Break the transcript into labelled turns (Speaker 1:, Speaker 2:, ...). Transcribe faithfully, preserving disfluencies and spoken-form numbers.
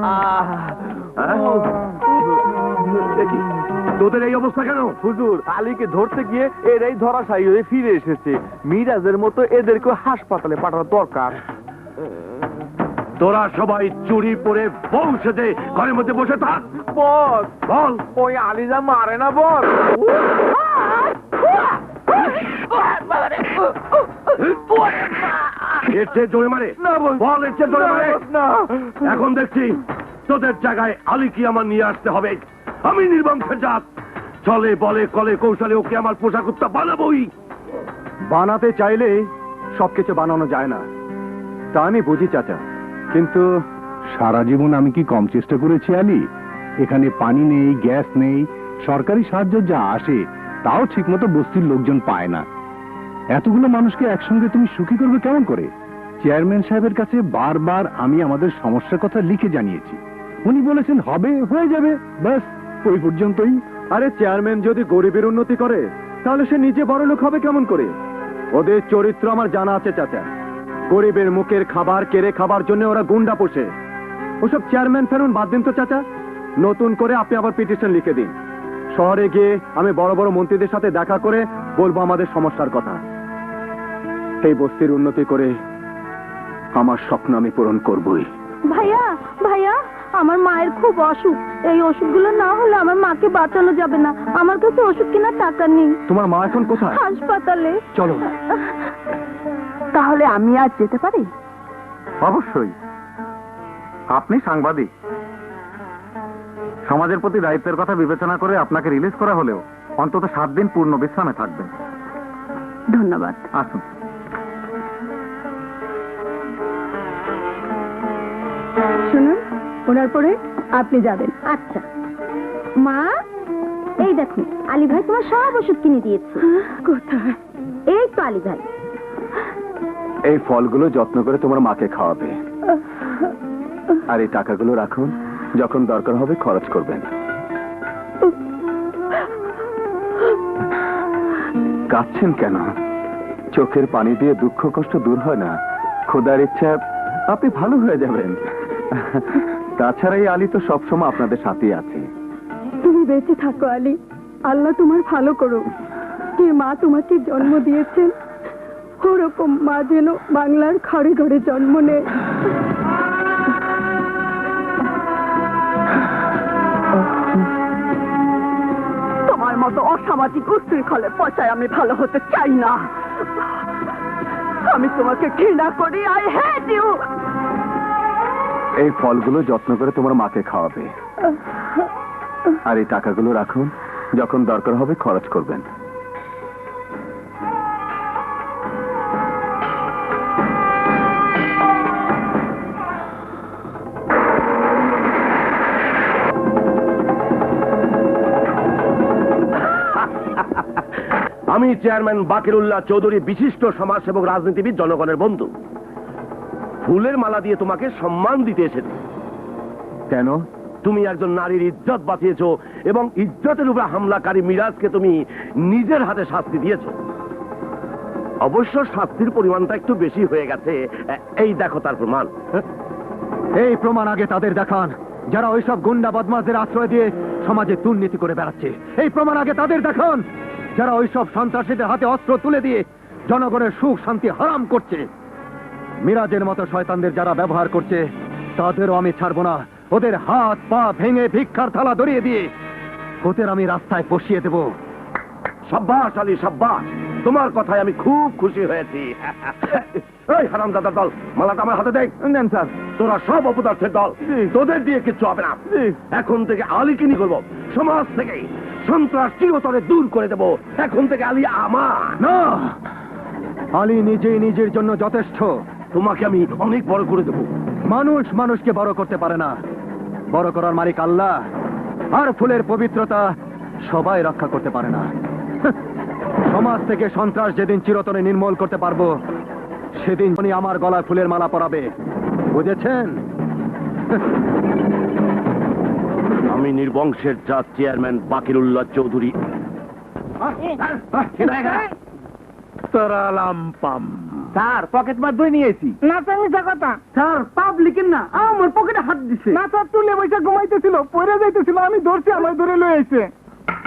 Speaker 1: তোদের এই অবস্থা কেন?
Speaker 2: হুজুর, আলীকে ধরতে গিয়ে এরাই ধরাশায়ী হয়ে ফিরে এসেছে। মিরাজের মতো এদেরকে হাসপাতালে পাঠানো দরকার।
Speaker 1: তোরা সবাই চুরি পরে বউ সেজে ঘরের মধ্যে বসে থাক।
Speaker 2: বস,
Speaker 1: বল,
Speaker 2: ওই আলিজা মারে না বস।
Speaker 1: এর চেয়ে জোরে মারে
Speaker 2: না বস,
Speaker 1: বল, এর চেয়ে জোরে মারে
Speaker 2: না।
Speaker 1: এখন দেখছি তোদের জায়গায় আলীকে আমার নিয়ে আসতে হবে। আমি নির্বংশের জাত, চলে বলে কলে কৌশলে ওকে আমার পোশাক উত্তা বানাবোই।
Speaker 3: বানাতে চাইলে সবকিছু বানানো যায় না, তা আমি বুঝি চাচা, কিন্তু সারা জীবন আমি কি কম চেষ্টা করেছি আলী? এখানে পানি নেই, গ্যাস নেই, সরকারি সাহায্য যা আসে তাও ঠিক মতো বস্তির লোকজন পায় না। এতগুলো মানুষকে একসঙ্গে তুমি সুখী করবে কেমন করে? চেয়ারম্যান সাহেবের কাছে বারবার আমি আমাদের সমস্যার কথা লিখে জানিয়েছি, উনি বলেছেন হবে, হয়ে যাবে, ব্যাস ওই পর্যন্তই। আরে চেয়ারম্যান যদি গরিবের উন্নতি করে তাহলে সে নিজে বড় লোক হবে কেমন করে? ওদের চরিত্র আমার জানা আছে চাচা। গরিবের মুখের খাবার কেড়ে খাবার জন্য ওরা গুন্ডা পোষে। ওসব চেয়ারম্যান ফেরুন বাদ দিন তো চাচা। নতুন করে আপনি আবার পিটিশন লিখে দিন। শহরে গিয়ে আমি বড় বড় মন্ত্রীদের সাথে দেখা করে বলবো আমাদের সমস্যার কথা। এই বস্তির উন্নতি করে আমার স্বপ্ন আমি পূরণ করবই।
Speaker 4: ভাইয়া, ভাইয়া, আমার মায়ের খুব অসুখ। এই ওষুধগুলো না হলে আমার মাকে বাঁচানো যাবে না। আমার কাছে ওষুধ কেনার টাকা নেই।
Speaker 3: তোমার মা এখন কোথায়?
Speaker 4: হাসপাতালে।
Speaker 3: চলো।
Speaker 4: তাহলে আমি আজ যেতে পারি?
Speaker 3: অবশ্যই। আপনি সাংবাদিক, সমাজের প্রতি দায়িত্বের কথা বিবেচনা করে আপনাকে রিলিজ করা হলেও অন্তত সাত দিন পূর্ণ বিশ্রামে থাকবেন।
Speaker 4: ধন্যবাদ।
Speaker 3: আসুন।
Speaker 4: শুনুন, ওনার পরে আপনি যাবেন। আচ্ছা মা, এই দেখুন আলী ভাই তোমার সব ওষুধ কিনে দিয়েছে। কোথায়? এই তো আলী ভাই।
Speaker 3: এই ফলগুলো যত্ন করে তোমার মাকে খাওয়াবে, আর এই টাকাগুলো রাখুন, যখন দরকার হবে খরচ করবেন। কাঁদছেন কেন? চোখের পানি দিয়ে দুঃখ কষ্ট দূর হয় না। খোদার ইচ্ছা আপনি ভালো হয়ে যাবেন। তাছাড়া এই আলী তো সবসময় আপনাদের সাথেই আছে।
Speaker 4: তুমি বেঁচে থাকো আলী, আল্লাহ তোমার ভালো করো। যে মা তোমাকে জন্ম দিয়েছেন ওরকম মা যেন বাংলার ঘরে ঘরে জন্ম নেয়। তোমার মতো অসামাজিক উশৃঙ্খলে পচায় আমি ভালো হতে চাই না। আমি তোমাকে ঘৃণা করি। I hate you.
Speaker 3: এই ফলগুলো যত্ন করে তোমার মাকে খাওয়াবে, আর এই টাকাগুলো রাখুন, যখন দরকার হবে খরচ করবেন।
Speaker 1: আমি চেয়ারম্যান বাকিরুল্লাহ চৌধুরী, বিশিষ্ট সমাজসেবক, রাজনীতিবিদ, জনগণের বন্ধু। ফুলের মালা দিয়ে তোমাকে সম্মান দিতে এসেছি।
Speaker 3: কেন?
Speaker 1: তুমি একজন নারীর ইজ্জত বাঁচিয়েছো এবং ইজ্জতের উপর হামলাকারী মিরাজকে তুমি নিজের হাতে শাস্তি দিয়েছো। অবশ্য শাস্তির পরিমাণটা একটু বেশি হয়ে গেছে। এই দেখো তার প্রমাণ।
Speaker 3: এই প্রমাণ আগে তাদের দেখান যারা ওইসব গুন্ডা বদমাশদের আশ্রয় দিয়ে সমাজে দুর্নীতি করে বেড়াচ্ছে। এই প্রমাণ আগে তাদের দেখান যারা ওইসব সন্ত্রাসীদের হাতে অস্ত্র তুলে দিয়ে জনগণের সুখ শান্তি হারাম করছে। মিরাজের মতো শয়তানদের যারা ব্যবহার করছে তাদেরও আমি ছাড়বো না। ওদের হাত পা ভেঙে ভিক্ষার থালা ধরিয়ে দিয়ে ওদের আমি রাস্তায় বসিয়ে দেব।
Speaker 1: সাব্বাস আলী, সাব্বাস। তোমার কথায় আমি খুব খুশি হয়েছি। এই হারামজাদার দল, মালাটা আমার হাতে দেখ।
Speaker 3: নেন স্যার।
Speaker 1: তোরা সব অপদার্থের দল, তোদের দিয়ে কিচ্ছু হবে না। এখন থেকে আলীকে নিয়ে করবো, সমাজ থেকে সন্ত্রাস চিরতরে দূর করে দেব। এখন থেকে আলী আমার
Speaker 3: না, আলী নিজেই নিজের জন্য যথেষ্ট।
Speaker 1: তোমাকে আমি অনেক বড় করে দেব।
Speaker 3: মানুষ মানুষকে বড় করতে পারে না, বড় করার মালিক আল্লাহ। আর ফুলের পবিত্রতা সবাই রক্ষা করতে পারে না। সমাজ থেকে সন্ত্রাস যেদিন চিরতরে নির্মূল করতে পারবো সেদিন উনি আমার গলায় ফুলের মালা পরাবে, বুঝেছেন?
Speaker 1: আমি নির্বংশের জাত চেয়ারম্যান বাকিরুল্লাহ চৌধুরী।
Speaker 3: তারালাম পাম।
Speaker 2: স্যার পকেট মার ধুই নিয়েছি।
Speaker 5: না স্যার মিথ্যা কথা।
Speaker 2: স্যার পাবলিকের না আমার পকেটে হাত দিছে।
Speaker 5: না স্যার তুলে বসে ঘুমাইতেছিল, পড়ে যাইতেছিল, আমি ধরছি, আমার ধরে লয়ে আইছে।